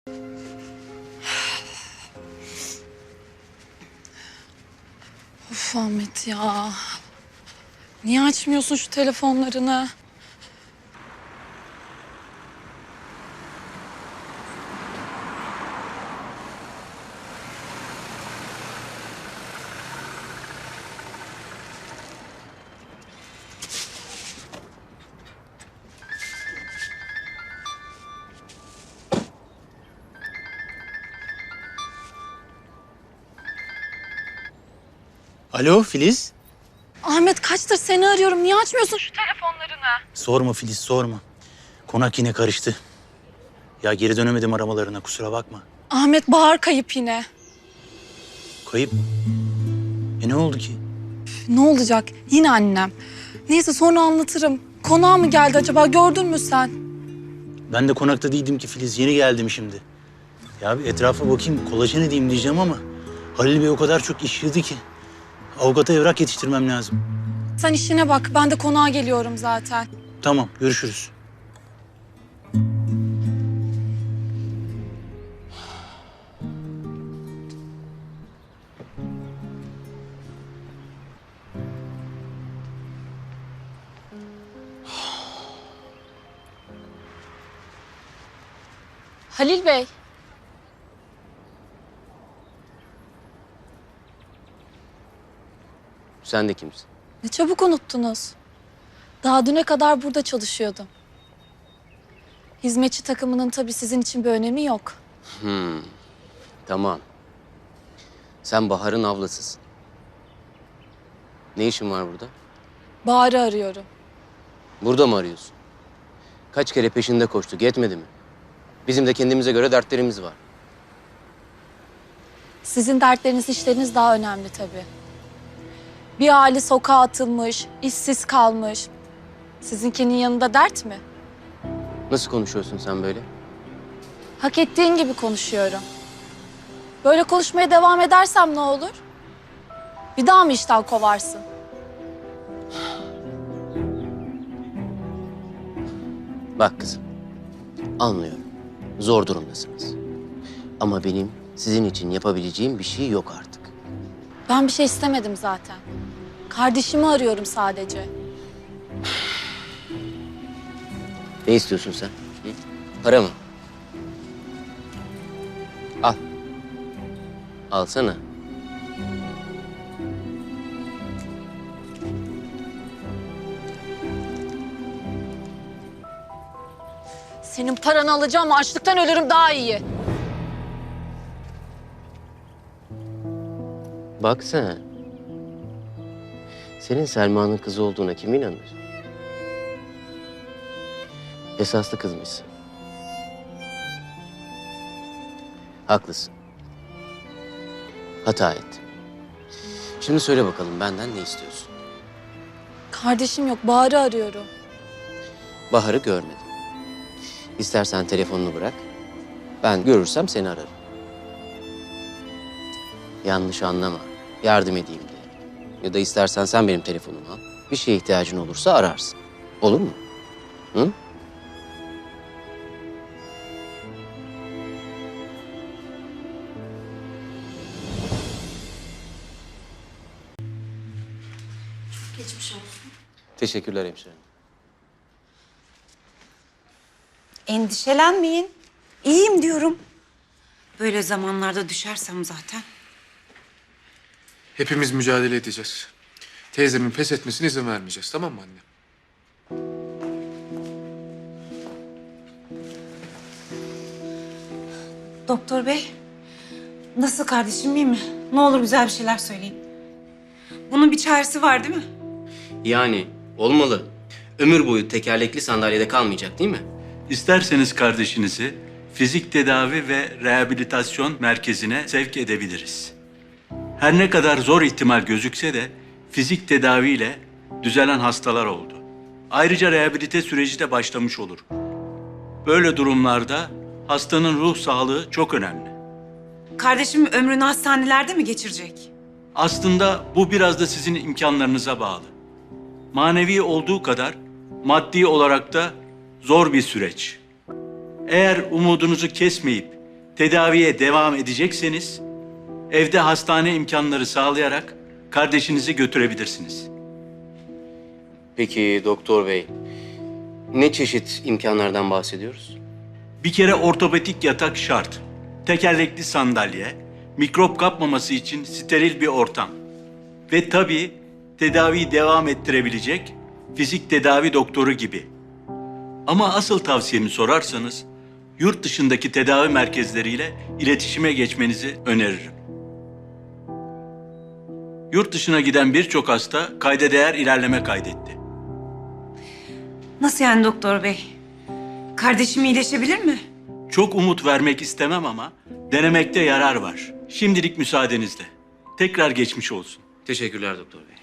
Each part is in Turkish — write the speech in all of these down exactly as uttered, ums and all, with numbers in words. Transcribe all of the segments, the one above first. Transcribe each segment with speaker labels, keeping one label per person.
Speaker 1: Of Ahmet ya. Niye açmıyorsun şu telefonlarını?
Speaker 2: Alo Filiz.
Speaker 1: Ahmet kaçtır seni arıyorum. Niye açmıyorsun şu telefonlarını?
Speaker 2: Sorma Filiz, sorma. Konak yine karıştı. Ya geri dönemedim aramalarına, kusura bakma.
Speaker 1: Ahmet Bahar kayıp yine.
Speaker 2: Kayıp. E ne oldu ki?
Speaker 1: Ne olacak? Yine annem. Neyse sonra anlatırım. Konağa mı geldi acaba? Gördün mü sen?
Speaker 2: Ben de konakta değildim ki Filiz, yeni geldim şimdi. Ya bir etrafa bakayım, kolajen edeyim diyeceğim ama... Halil Bey o kadar çok iş yığdı ki. Avukata evrak yetiştirmem lazım.
Speaker 1: Sen işine bak. Ben de konağa geliyorum zaten.
Speaker 2: Tamam, görüşürüz.
Speaker 1: Halil Bey.
Speaker 3: Sen de kimsin?
Speaker 1: Ne çabuk unuttunuz. Daha düne kadar burada çalışıyordum. Hizmetçi takımının tabii sizin için bir önemi yok.
Speaker 3: Hmm, tamam. Sen Bahar'ın ablasısın. Ne işin var burada?
Speaker 1: Bahar'ı arıyorum.
Speaker 3: Burada mı arıyorsun? Kaç kere peşinde koştuk, yetmedi mi? Bizim de kendimize göre dertlerimiz var.
Speaker 1: Sizin dertleriniz, işleriniz daha önemli tabii. Bir aile sokağa atılmış, işsiz kalmış. Sizinkinin yanında dert mi?
Speaker 3: Nasıl konuşuyorsun sen böyle?
Speaker 1: Hak ettiğin gibi konuşuyorum. Böyle konuşmaya devam edersem ne olur? Bir daha mı işten kovarsın?
Speaker 3: Bak kızım, anlıyorum. Zor durumdasınız. Ama benim sizin için yapabileceğim bir şey yok artık.
Speaker 1: Ben bir şey istemedim zaten. Kardeşimi arıyorum sadece.
Speaker 3: Ne istiyorsun sen? Hı? Para mı? Al. Alsana.
Speaker 1: Senin paranı alacağım, açlıktan ölürüm daha iyi.
Speaker 3: Bak sen. Senin Selma'nın kızı olduğuna kim inanır? Esaslı kızmışsın. Haklısın. Hata ettim. Şimdi söyle bakalım benden ne istiyorsun?
Speaker 1: Kardeşim yok, Bahar'ı arıyorum.
Speaker 3: Bahar'ı görmedim. İstersen telefonunu bırak. Ben görürsem seni ararım. Yanlış anlama. Yardım edeyim diye. Ya da istersen sen benim telefonumu al. Bir şeye ihtiyacın olursa ararsın. Olur mu? Hı?
Speaker 1: Geçmiş olsun.
Speaker 3: Teşekkürler hemşire.
Speaker 4: Endişelenmeyin. İyiyim diyorum. Böyle zamanlarda düşersem zaten.
Speaker 5: Hepimiz mücadele edeceğiz. Teyzemin pes etmesine izin vermeyeceğiz, tamam mı anne?
Speaker 4: Doktor bey, nasıl kardeşim, iyi mi? Ne olur güzel bir şeyler söyleyin. Bunun bir çaresi var değil mi?
Speaker 3: Yani olmalı. Ömür boyu tekerlekli sandalyede kalmayacak değil mi?
Speaker 6: İsterseniz kardeşinizi fizik tedavi ve rehabilitasyon merkezine sevk edebiliriz. Her ne kadar zor ihtimal gözükse de fizik tedaviyle düzelen hastalar oldu. Ayrıca rehabilite süreci de başlamış olur. Böyle durumlarda hastanın ruh sağlığı çok önemli.
Speaker 4: Kardeşim ömrünü hastanelerde mi geçirecek?
Speaker 6: Aslında bu biraz da sizin imkanlarınıza bağlı. Manevi olduğu kadar maddi olarak da zor bir süreç. Eğer umudunuzu kesmeyip tedaviye devam edecekseniz evde hastane imkanları sağlayarak kardeşinizi götürebilirsiniz.
Speaker 3: Peki doktor bey, ne çeşit imkanlardan bahsediyoruz?
Speaker 6: Bir kere ortopedik yatak şart. Tekerlekli sandalye, mikrop kapmaması için steril bir ortam. Ve tabii tedaviyi devam ettirebilecek fizik tedavi doktoru gibi. Ama asıl tavsiyemi sorarsanız yurt dışındaki tedavi merkezleriyle iletişime geçmenizi öneririm. Yurt dışına giden birçok hasta kayda değer ilerleme kaydetti.
Speaker 4: Nasıl yani doktor bey? Kardeşim iyileşebilir mi?
Speaker 6: Çok umut vermek istemem ama denemekte yarar var. Şimdilik müsaadenizle. Tekrar geçmiş olsun.
Speaker 3: Teşekkürler doktor bey.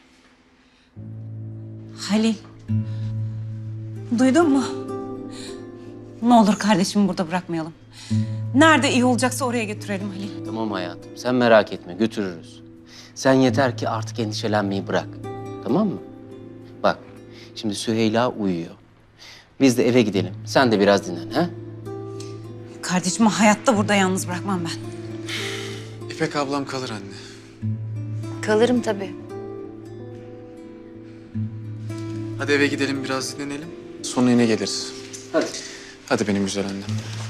Speaker 4: Halil. Duydun mu? Ne olur kardeşimi burada bırakmayalım. Nerede iyi olacaksa oraya götürelim Halil.
Speaker 3: Tamam hayatım, sen merak etme, götürürüz. Sen yeter ki artık endişelenmeyi bırak. Tamam mı? Bak, şimdi Süheyla uyuyor. Biz de eve gidelim. Sen de biraz dinlen, ha?
Speaker 4: Kardeşimi hayatta burada yalnız bırakmam ben.
Speaker 5: İpek ablam kalır anne.
Speaker 7: Kalırım tabii.
Speaker 5: Hadi eve gidelim biraz dinlenelim. Sonra yine geliriz.
Speaker 3: Hadi.
Speaker 5: Hadi benim güzel annem.